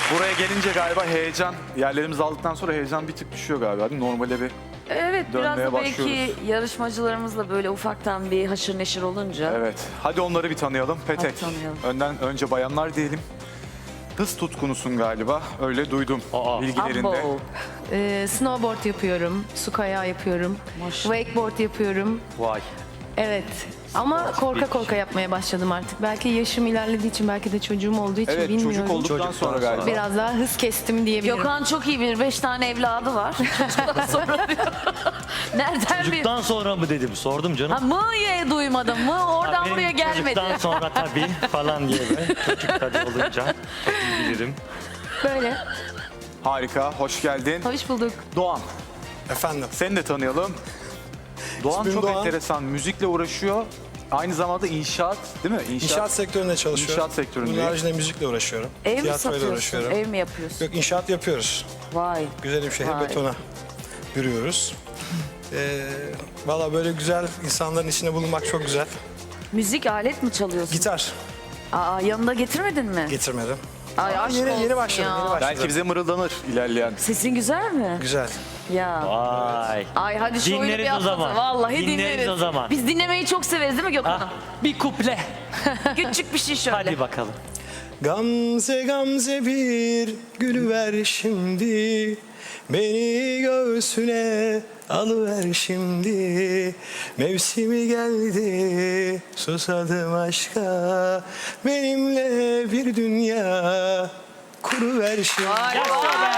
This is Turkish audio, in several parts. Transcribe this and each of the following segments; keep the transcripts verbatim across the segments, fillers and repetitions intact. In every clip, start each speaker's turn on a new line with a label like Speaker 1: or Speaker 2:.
Speaker 1: Buraya gelince galiba heyecan, yerlerimizi aldıktan sonra heyecan bir tık düşüyor galiba değil mi? Normale bir...
Speaker 2: Evet, biraz
Speaker 1: Dönmeye
Speaker 2: da belki
Speaker 1: başlıyoruz.
Speaker 2: yarışmacılarımızla böyle ufaktan bir haşır neşir olunca.
Speaker 1: Evet. Hadi onları bir tanıyalım. Petek.
Speaker 2: Hadi tanıyalım.
Speaker 1: Önden önce bayanlar diyelim. Hız tutkunusun galiba. Öyle duydum
Speaker 3: Aa.
Speaker 1: bilgilerinde.
Speaker 2: Abo.
Speaker 4: Ee, snowboard yapıyorum, su kayağı yapıyorum,
Speaker 2: Maşallah.
Speaker 4: wakeboard yapıyorum.
Speaker 3: Vay.
Speaker 4: Evet. Ama korka
Speaker 3: bir-
Speaker 4: korka yapmaya başladım artık. Belki yaşım ilerlediği için, belki de çocuğum olduğu için
Speaker 1: Evet,
Speaker 4: bilmiyorum.
Speaker 1: çocuk olduktan
Speaker 3: Çocuktan
Speaker 1: sonra
Speaker 3: sonra.
Speaker 1: galiba.
Speaker 4: Biraz daha hız kestim diyebilirim.
Speaker 2: Gökhan çok iyi bir beş tane evladı var. Çocuktan sonra diyor. Nereden bir...
Speaker 3: Çocuktan sonra mı dedim, sordum canım.
Speaker 2: Ha, mı'ye duymadım. Mı oradan
Speaker 3: Benim
Speaker 2: buraya gelmedi.
Speaker 3: Çocuktan sonra tabii falan diye böyle. Çocuk tabii olunca çok iyi bilirim.
Speaker 4: Böyle.
Speaker 1: Harika, hoş geldin.
Speaker 4: Hoş bulduk.
Speaker 1: Doğan,
Speaker 5: Efendim.
Speaker 1: seni de tanıyalım. Doğan
Speaker 5: İsmim
Speaker 1: çok
Speaker 5: Doğan.
Speaker 1: enteresan, müzikle uğraşıyor. Aynı zamanda inşaat, değil mi?
Speaker 5: İnşaat sektöründe çalışıyorum.
Speaker 1: İnşaat sektöründe.
Speaker 5: Bunun haricinde müzikle uğraşıyorum.
Speaker 2: Ev mi
Speaker 5: Tiyatroyla
Speaker 2: satıyorsun?
Speaker 5: uğraşıyorum.
Speaker 2: Ev mi yapıyorsun?
Speaker 5: Yok, inşaat yapıyoruz.
Speaker 2: Vay.
Speaker 5: Güzelim şehir
Speaker 2: Vay.
Speaker 5: betona bürüyoruz. Ee, Valla böyle güzel insanların içinde bulunmak çok güzel.
Speaker 2: Müzik alet mi çalıyorsun?
Speaker 5: Gitar
Speaker 2: Aa, yanında getirmedin mi?
Speaker 5: getirmedim.
Speaker 2: Ay,
Speaker 5: Ama
Speaker 2: aşk
Speaker 5: yeni,
Speaker 2: olsun
Speaker 5: yeni başladım,
Speaker 2: ya.
Speaker 5: yeni başladım.
Speaker 1: Belki bize mırıldanır ilerleyen.
Speaker 2: Sesin güzel mi?
Speaker 5: Güzel.
Speaker 2: Ya.
Speaker 3: Vay.
Speaker 2: Ay hadi şöyle
Speaker 3: Dinleriz
Speaker 2: bir
Speaker 3: o
Speaker 2: atlatın.
Speaker 3: zaman.
Speaker 2: Vallahi dinleriz.
Speaker 3: Dinleriz o zaman.
Speaker 2: Biz dinlemeyi çok severiz değil mi Gökhan?
Speaker 3: Ah, bir kuple.
Speaker 2: Küçük bir şey şöyle.
Speaker 3: Hadi bakalım.
Speaker 5: Gamze gamze bir gülüver şimdi. Beni göğsüne alıver şimdi. Mevsimi geldi, susadım aşka. Benimle bir dünya kuruver şimdi.
Speaker 2: Vay vay.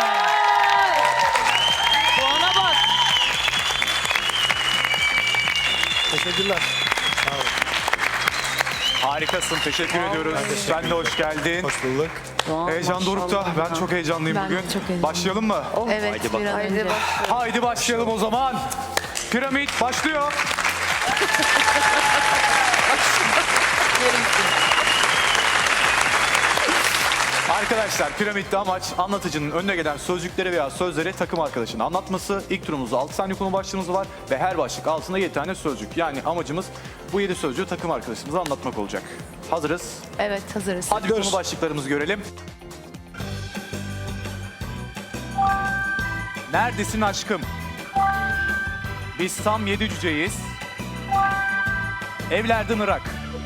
Speaker 2: Doğan'a bak.
Speaker 5: Teşekkürler. Sağ olun.
Speaker 1: Harikasın, teşekkür ediyoruz. Sen de hoş geldin.
Speaker 5: Hoş bulduk.
Speaker 2: Doğan,
Speaker 1: Heyecan dorukta.
Speaker 2: maşallah.
Speaker 1: Ben çok heyecanlıyım
Speaker 4: Ben de
Speaker 1: bugün.
Speaker 4: çok heyecanlıyım.
Speaker 1: Başlayalım mı?
Speaker 4: Evet,
Speaker 3: Haydi
Speaker 4: bir
Speaker 3: bakalım.
Speaker 4: an
Speaker 2: Haydi
Speaker 4: önce.
Speaker 2: başlayalım.
Speaker 1: Haydi başlayalım o zaman. Piramit başlıyor. Arkadaşlar piramitte amaç anlatıcının önüne gelen sözcükleri veya sözleri takım arkadaşına anlatması. İlk turumuzda altı saniye konu başlığımız var ve her başlık altında yedi tane sözcük. Yani amacımız bu yedi sözcüğü takım arkadaşımıza anlatmak olacak. Hazırız.
Speaker 4: Evet, hazırız.
Speaker 1: Hadi
Speaker 5: Görüş.
Speaker 1: konu başlıklarımızı görelim. Neredesin aşkım? Biz tam yedi cüceyiz. Evlerden Irak.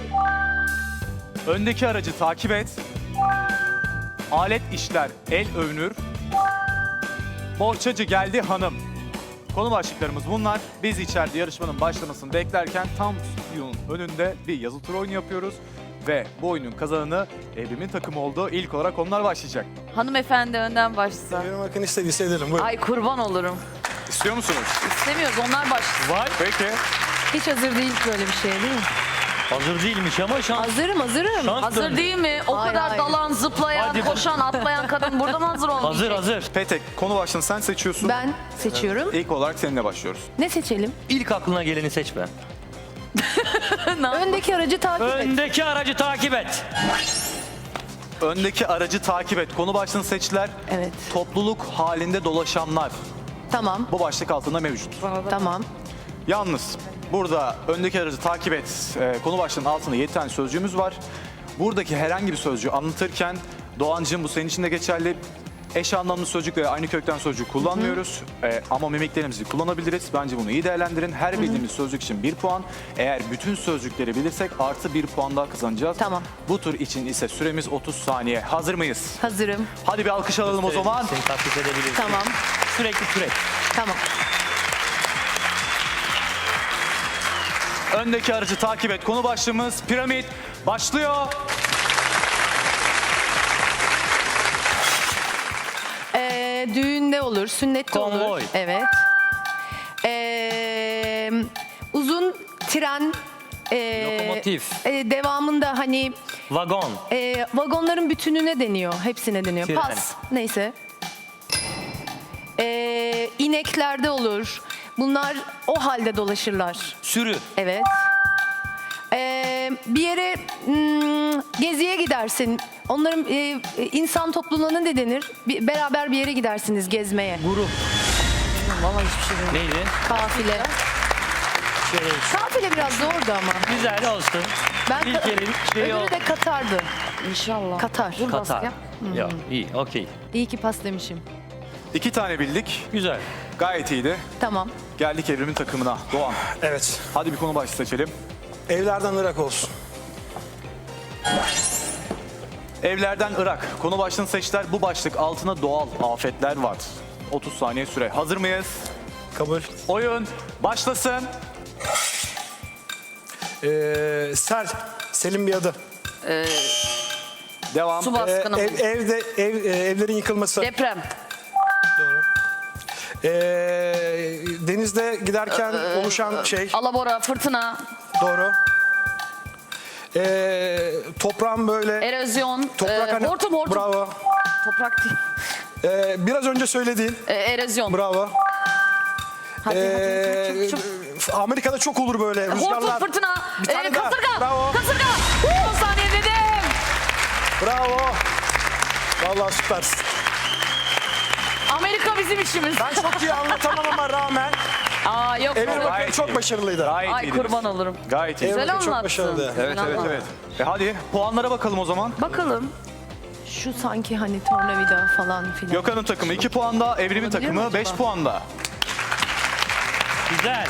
Speaker 1: Öndeki aracı takip et. Alet işler, el övünür. Bohçacı geldi hanım. Konu başlıklarımız bunlar. Biz içeride yarışmanın başlamasını beklerken tam stüdyonun önünde bir yazı turu oyunu yapıyoruz. Ve bu oyunun kazananı Evrim'in takımı oldu. İlk olarak onlar başlayacak.
Speaker 2: Hanımefendi önden başlasa.
Speaker 5: Benim hakkını istediyse ederim. Buyurun.
Speaker 2: Ay kurban olurum.
Speaker 1: İstiyor musunuz?
Speaker 2: İstemiyoruz onlar başlasın.
Speaker 1: Var. Peki.
Speaker 4: Hiç hazır değil böyle bir şey değil mi?
Speaker 3: Hazır değilmiş ama şans.
Speaker 4: Hazırım, hazırım.
Speaker 3: Şans
Speaker 2: Hazır
Speaker 3: döndü.
Speaker 2: değil mi? O
Speaker 4: Hayır,
Speaker 2: kadar
Speaker 4: hayır.
Speaker 2: dalan, zıplayan,
Speaker 3: Hadi.
Speaker 2: koşan, atlayan kadın burada mı hazır olmayacak?
Speaker 3: Hazır hazır.
Speaker 1: Petek, konu başlığını sen seçiyorsun.
Speaker 4: Ben seçiyorum.
Speaker 1: İlk olarak seninle başlıyoruz.
Speaker 4: Ne seçelim?
Speaker 3: İlk aklına geleni seç be.
Speaker 4: Öndeki aracı takip et.
Speaker 3: Öndeki aracı takip et.
Speaker 1: Öndeki aracı takip et. Konu başlığını seçtiler.
Speaker 4: Evet.
Speaker 1: Topluluk halinde dolaşanlar.
Speaker 4: Tamam,
Speaker 1: Bu başlık altında mevcut.
Speaker 4: tamam.
Speaker 1: Yalnız burada öndeki aracı takip et. e, konu başlığının altında yedi tane sözcüğümüz var. Buradaki herhangi bir sözcüğü anlatırken Doğancığım bu senin için de geçerli. Eş anlamlı sözcük veya aynı kökten sözcük kullanmıyoruz. E, ama mimiklerimizi kullanabiliriz. Bence bunu iyi değerlendirin. Her bildiğimiz sözcük için bir puan. Eğer bütün sözcükleri bilirsek artı bir puan daha kazanacağız.
Speaker 4: Tamam.
Speaker 1: Bu tur için ise süremiz otuz saniye. Hazır mıyız?
Speaker 4: Hazırım.
Speaker 1: Hadi bir alkış alalım o zaman.
Speaker 3: Seni taklit edebiliriz.
Speaker 4: Tamam,
Speaker 3: Sürekli sürekli.
Speaker 4: tamam.
Speaker 1: Öndeki aracı takip et. Konu başlığımız piramit başlıyor.
Speaker 4: Ee, düğünde olur, sünnette olur.
Speaker 3: Konvoy.
Speaker 4: Evet. Ee, uzun tren. ee,
Speaker 3: Lokomotif.
Speaker 4: ee, devamında hani
Speaker 3: Vagon.
Speaker 4: ee, vagonların bütününe deniyor, hepsine deniyor.
Speaker 3: Tren.
Speaker 4: Pas, neyse. Ee, ineklerde olur. Bunlar o halde dolaşırlar.
Speaker 3: Sürü.
Speaker 4: Evet. Ee, bir yere hmm, geziye gidersin. Onların e, insan topluluğuna ne denir? Bir, beraber bir yere gidersiniz gezmeye.
Speaker 3: Grup.
Speaker 2: Vallahi hiçbir şey bilmiyorum.
Speaker 3: Neydi?
Speaker 4: Kafile.
Speaker 3: Şey,
Speaker 4: Kafile biraz zordu ama.
Speaker 3: güzel olsun.
Speaker 4: Ben
Speaker 3: İlk yerin şeyi o.
Speaker 4: öbürü de Katar'dı.
Speaker 2: İnşallah.
Speaker 4: Katar.
Speaker 2: Vur
Speaker 3: Katar.
Speaker 2: baskıya.
Speaker 3: Yok iyi okey.
Speaker 4: İyi ki pas demişim.
Speaker 1: İki tane bildik.
Speaker 3: Güzel.
Speaker 1: Gayet iyiydi.
Speaker 4: Tamam.
Speaker 1: Geldik Evrim'in takımına. Doğan.
Speaker 5: Evet.
Speaker 1: Hadi bir konu başlığı seçelim.
Speaker 5: Evlerden Irak olsun.
Speaker 1: Evlerden Irak. Konu başlığını seçtiler. Bu başlık altına doğal afetler var. otuz saniye süre. Hazır mıyız?
Speaker 5: Kabul.
Speaker 1: Oyun başlasın.
Speaker 5: Ee, sel. Selin bir adı.
Speaker 1: Devam.
Speaker 2: Su
Speaker 5: Ee,
Speaker 2: baskını.
Speaker 5: ev, evde ev, e, evlerin yıkılması.
Speaker 2: Deprem.
Speaker 5: Doğru. Ee, denizde giderken oluşan şey.
Speaker 2: Alabora, fırtına,
Speaker 5: Doğru. Ee, toprağın böyle.
Speaker 2: erozyon,
Speaker 5: Toprak
Speaker 2: e,
Speaker 5: hani.
Speaker 2: hortum hortum.
Speaker 5: Bravo.
Speaker 2: Toprak değil.
Speaker 5: Ee, biraz önce söylediğin.
Speaker 2: E, erozyon.
Speaker 5: Bravo.
Speaker 2: Hadi,
Speaker 5: Ee,
Speaker 2: hadi, çok, çok.
Speaker 5: Amerika'da çok olur böyle
Speaker 2: Hortum,
Speaker 5: rüzgarlar.
Speaker 2: fırtına,
Speaker 5: Bir tane
Speaker 2: e,
Speaker 5: daha.
Speaker 2: kasırga,
Speaker 5: Bravo.
Speaker 2: kasırga. on saniye dedim.
Speaker 5: Bravo. Vallahi süpersin.
Speaker 2: Amerika bizim işimiz.
Speaker 5: Ben çok iyi anlatamama rağmen
Speaker 2: Aa yok.
Speaker 5: Emir
Speaker 2: yok.
Speaker 5: Bakır
Speaker 1: Gayet
Speaker 5: çok
Speaker 1: iyi.
Speaker 5: başarılıydı.
Speaker 1: Gayet
Speaker 2: Ay
Speaker 1: iyiydiniz.
Speaker 2: kurban olurum.
Speaker 1: Gayet iyi.
Speaker 5: Emir
Speaker 2: Güzel
Speaker 5: Bakır çok
Speaker 2: anlattın.
Speaker 5: başarılıydı.
Speaker 1: Evet
Speaker 2: Güzel
Speaker 1: evet
Speaker 2: anlattın.
Speaker 1: evet. E hadi puanlara bakalım o zaman.
Speaker 2: Bakalım.
Speaker 4: Şu sanki hani tornavida falan filan.
Speaker 1: Gökhan'ın takımı iki puanda, Evrim'in
Speaker 4: Olabilir mi
Speaker 1: takımı
Speaker 4: acaba?
Speaker 1: beş puanda.
Speaker 3: Güzel.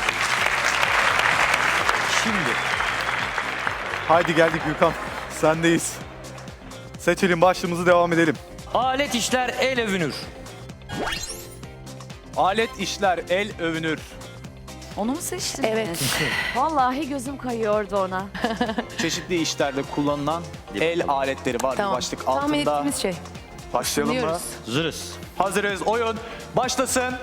Speaker 1: Şimdi. Haydi geldik Gökhan. Sendeyiz. Seçelim başlığımızı devam edelim.
Speaker 3: Alet işler el övünür.
Speaker 1: Alet işler el övünür.
Speaker 2: Onu mu seçtin?
Speaker 4: Evet.
Speaker 2: Vallahi gözüm kayıyordu ona.
Speaker 1: Çeşitli işlerde kullanılan el aletleri var.
Speaker 4: Tamam.
Speaker 1: Bu başlık
Speaker 4: Tahmin
Speaker 1: altında.
Speaker 4: ettiğimiz şey.
Speaker 1: Başlayalım mı?
Speaker 4: Biliyoruz.
Speaker 3: Zırız.
Speaker 1: Hazırız. Oyun başlasın.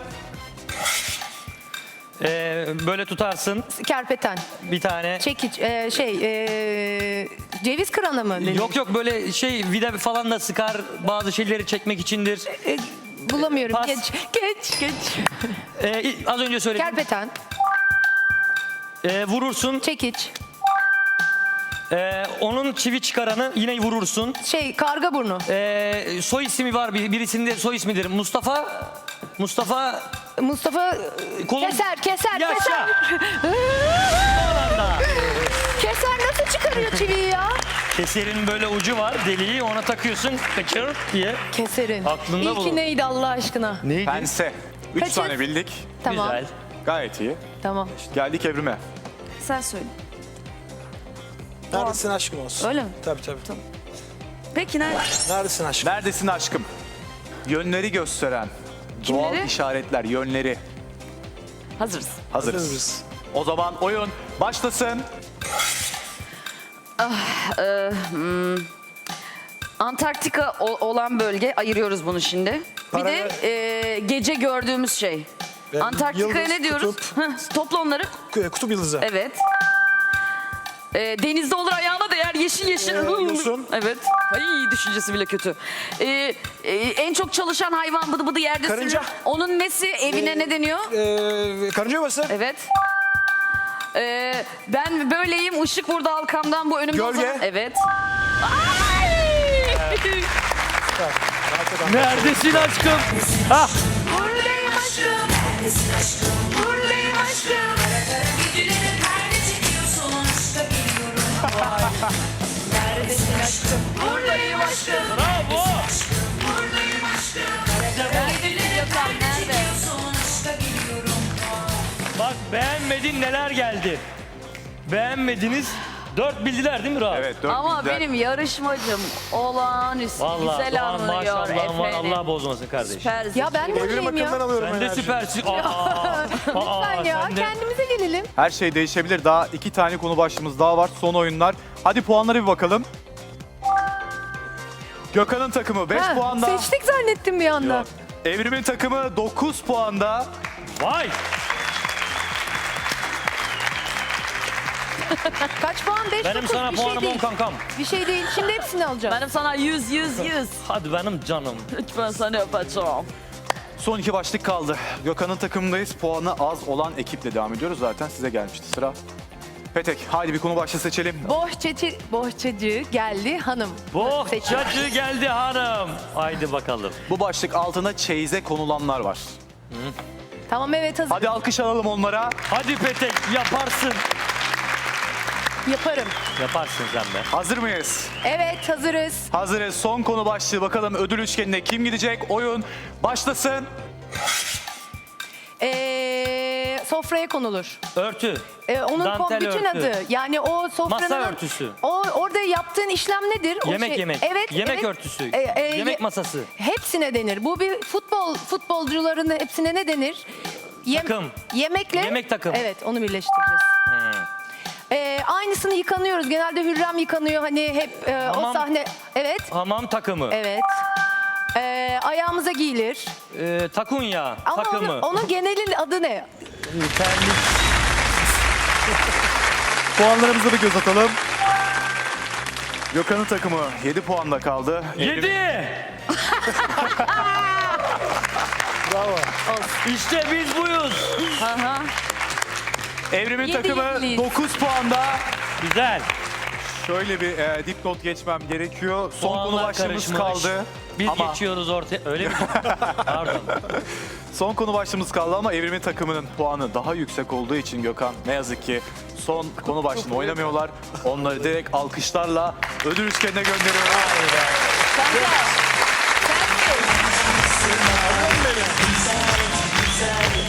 Speaker 3: Ee, böyle tutarsın
Speaker 4: Kerpeten.
Speaker 3: bir tane.
Speaker 4: Çekiç. e, şey. e, ceviz kıranı mı? denir?
Speaker 3: Yok yok böyle şey vida falan da sıkar bazı şeyleri çekmek içindir.
Speaker 4: E, bulamıyorum.
Speaker 3: Pas.
Speaker 4: Geç. Geç. Geç.
Speaker 3: Ee, az önce söyledim.
Speaker 4: Kerpeten.
Speaker 3: Ee, vurursun.
Speaker 4: Çekiç.
Speaker 3: Ee, onun çivi çıkaranı yine vurursun.
Speaker 4: Şey karga burnu.
Speaker 3: Ee, soy ismi var bir- birisinde soy ismidir. Mustafa. Mustafa
Speaker 4: Mustafa
Speaker 3: kolun-
Speaker 4: keser keser
Speaker 3: Yaşa.
Speaker 4: keser.
Speaker 3: Alanda.
Speaker 4: Keser nasıl çıkarıyor çiviyi ya?
Speaker 3: Keserin böyle ucu var deliği ona takıyorsun kaçır diye.
Speaker 4: Keserin.
Speaker 3: Aklında
Speaker 4: İlki
Speaker 3: bulun.
Speaker 4: neydi Allah aşkına?
Speaker 3: Neydi?
Speaker 1: Pense. Üç
Speaker 4: Kaçız?
Speaker 1: tane bildik.
Speaker 4: Tamam.
Speaker 3: Güzel.
Speaker 1: Gayet iyi.
Speaker 4: Tamam.
Speaker 1: Geldik Evrim'e.
Speaker 2: Sen söyle.
Speaker 5: Neredesin aşkım olsun.
Speaker 2: Öyle mi?
Speaker 5: Tabii tabii.
Speaker 2: Peki ne?
Speaker 5: Neredesin aşkım?
Speaker 1: Neredesin aşkım? Yönleri gösteren doğal
Speaker 2: Kimleri?
Speaker 1: işaretler, yönleri.
Speaker 2: Hazırız.
Speaker 1: Hazırız.
Speaker 5: Hazırız.
Speaker 1: O zaman oyun başlasın.
Speaker 2: Antarktika o- olan bölge ayırıyoruz bunu şimdi. Bir
Speaker 5: Paraya-
Speaker 2: de e, gece gördüğümüz şey.
Speaker 5: Ee,
Speaker 2: Antarktika'ya
Speaker 5: yıldız,
Speaker 2: ne diyoruz?
Speaker 5: kutup.
Speaker 2: Heh, topla onları.
Speaker 5: K- Kutup yıldızı.
Speaker 2: Evet. E, denizde olur ayağına değer yeşil yeşil.
Speaker 5: Ee, yosun.
Speaker 2: Evet. Ay düşüncesi bile kötü. E, e, en çok çalışan hayvan bıdı bıdı yerde
Speaker 5: Karınca.
Speaker 2: sürünür. Onun nesi evine
Speaker 5: Ee,
Speaker 2: ne deniyor?
Speaker 5: Ee, karınca yuvası.
Speaker 2: Evet. E, ben böyleyim ışık vurdu halkamdan bu önümde.
Speaker 5: Gölge.
Speaker 2: uzanan- Evet. Ay!
Speaker 3: Neredesin aşkım? Ha.
Speaker 2: Buradayım aşkım. Buradayım aşkım.
Speaker 6: Güdülerin perde çekiyorsun aşka biliyorum. Neredesin aşkım?
Speaker 2: Buradayım aşkım.
Speaker 3: Bravo.
Speaker 6: Buradayım aşkım.
Speaker 2: Güdülerin perde
Speaker 6: Çekiyorsun aşka biliyorum.
Speaker 3: Bak beğenmedin neler geldi. Beğenmediniz. Dört bildiler değil mi Rahat?
Speaker 1: Evet, dört
Speaker 2: Ama
Speaker 1: bildiler.
Speaker 2: benim yarışmacım olağanüstü
Speaker 3: Vallahi
Speaker 2: güzel
Speaker 3: Doğan
Speaker 2: anlıyor
Speaker 3: maşallahın var
Speaker 2: efendim.
Speaker 3: Allah bozmasın kardeşim.
Speaker 2: Süpersin.
Speaker 4: Ya ben de
Speaker 5: Evrim
Speaker 4: öyleyim
Speaker 5: bakımdan
Speaker 4: ya.
Speaker 5: alıyorum
Speaker 3: Sen de
Speaker 5: enerji.
Speaker 3: süpersin. Aa, aa,
Speaker 4: Lütfen ya
Speaker 3: sen de-
Speaker 4: kendimize gelelim.
Speaker 1: Her şey değişebilir. Daha iki tane konu başlığımız daha var. Son oyunlar. Hadi puanlara bir bakalım. Gökhan'ın takımı beş
Speaker 4: Ha,
Speaker 1: puanda.
Speaker 4: Seçtik zannettim bir anda.
Speaker 1: Yok. Evrim'in takımı dokuz puanda.
Speaker 3: Vay.
Speaker 4: Kaç puan? beş,
Speaker 3: Benim
Speaker 4: dokuz.
Speaker 3: sana
Speaker 4: Bir şey
Speaker 3: puanım on
Speaker 4: değil.
Speaker 3: kankam.
Speaker 4: Bir şey değil. Şimdi hepsini alacağım.
Speaker 2: Benim sana yüz yüz yüz.
Speaker 3: Hadi benim canım.
Speaker 2: Lütfen seni öpeceğim.
Speaker 1: Son iki başlık kaldı. Gökhan'ın takımındayız. Puanı az olan ekiple devam ediyoruz. Zaten size gelmişti sıra. Petek, haydi bir konu başlığı seçelim.
Speaker 4: Bohçacı, bohçacı geldi hanım. Seçin.
Speaker 3: Bohçacı geldi hanım. Haydi bakalım.
Speaker 1: Bu başlık altında çeyize konulanlar var.
Speaker 4: Tamam evet hazır.
Speaker 1: Hadi alkış alalım onlara.
Speaker 3: Hadi Petek yaparsın.
Speaker 4: Yaparım.
Speaker 3: Yaparsın sen de.
Speaker 1: Hazır mıyız?
Speaker 4: Evet, hazırız.
Speaker 1: Hazırız. Son konu başlığı. Bakalım ödül üçgenine kim gidecek? Oyun başlasın.
Speaker 4: Ee, sofraya konulur.
Speaker 3: Örtü.
Speaker 4: Ee, onun kom-
Speaker 3: Dantel
Speaker 4: bütün
Speaker 3: örtü.
Speaker 4: adı. Yani o sofranın...
Speaker 3: Masa örtüsü.
Speaker 4: O orada yaptığın işlem nedir? O
Speaker 3: Yemek yemek.
Speaker 4: Evet.
Speaker 3: Yemek
Speaker 4: evet.
Speaker 3: örtüsü.
Speaker 4: Ee, e,
Speaker 3: Yemek
Speaker 4: ye-
Speaker 3: masası.
Speaker 4: Hepsine denir. Bu bir futbol futbolcuların hepsine ne denir? Yem-
Speaker 3: Takım.
Speaker 4: Yemekle.
Speaker 3: Yemek takımı.
Speaker 4: Evet, onu birleştireceğiz. Ee, aynısını yıkanıyoruz. Genelde Hürrem yıkanıyor. Hani hep e, o
Speaker 3: Hamam.
Speaker 4: sahne. Evet.
Speaker 3: Hamam takımı.
Speaker 4: Evet. Ee, ayağımıza giyilir.
Speaker 3: Ee, takunya
Speaker 4: Ama
Speaker 3: takımı.
Speaker 4: onun, onun genelin adı ne?
Speaker 3: Terlik.
Speaker 1: Puanlarımıza bir göz atalım. Gökhan'ın takımı yedi puanla kaldı.
Speaker 3: Yedi.
Speaker 5: Bravo.
Speaker 3: İşte biz buyuz.
Speaker 2: Aha.
Speaker 1: Evrim'in
Speaker 4: Yedi
Speaker 1: takımı
Speaker 4: yediyiz.
Speaker 1: dokuz puanda.
Speaker 3: Güzel.
Speaker 1: Şöyle bir e, dipnot geçmem gerekiyor. Son konu
Speaker 3: Puanlar
Speaker 1: başlığımız
Speaker 3: karışmış.
Speaker 1: kaldı.
Speaker 3: Biz
Speaker 1: ama
Speaker 3: geçiyoruz ortaya. Öyle mi? Pardon.
Speaker 1: son konu başlığımız kaldı ama Evrim'in takımının puanı daha yüksek olduğu için Gökhan ne yazık ki son konu başlığını oynamıyorlar. Onları direkt alkışlarla ödül üçgenine gönderiyoruz.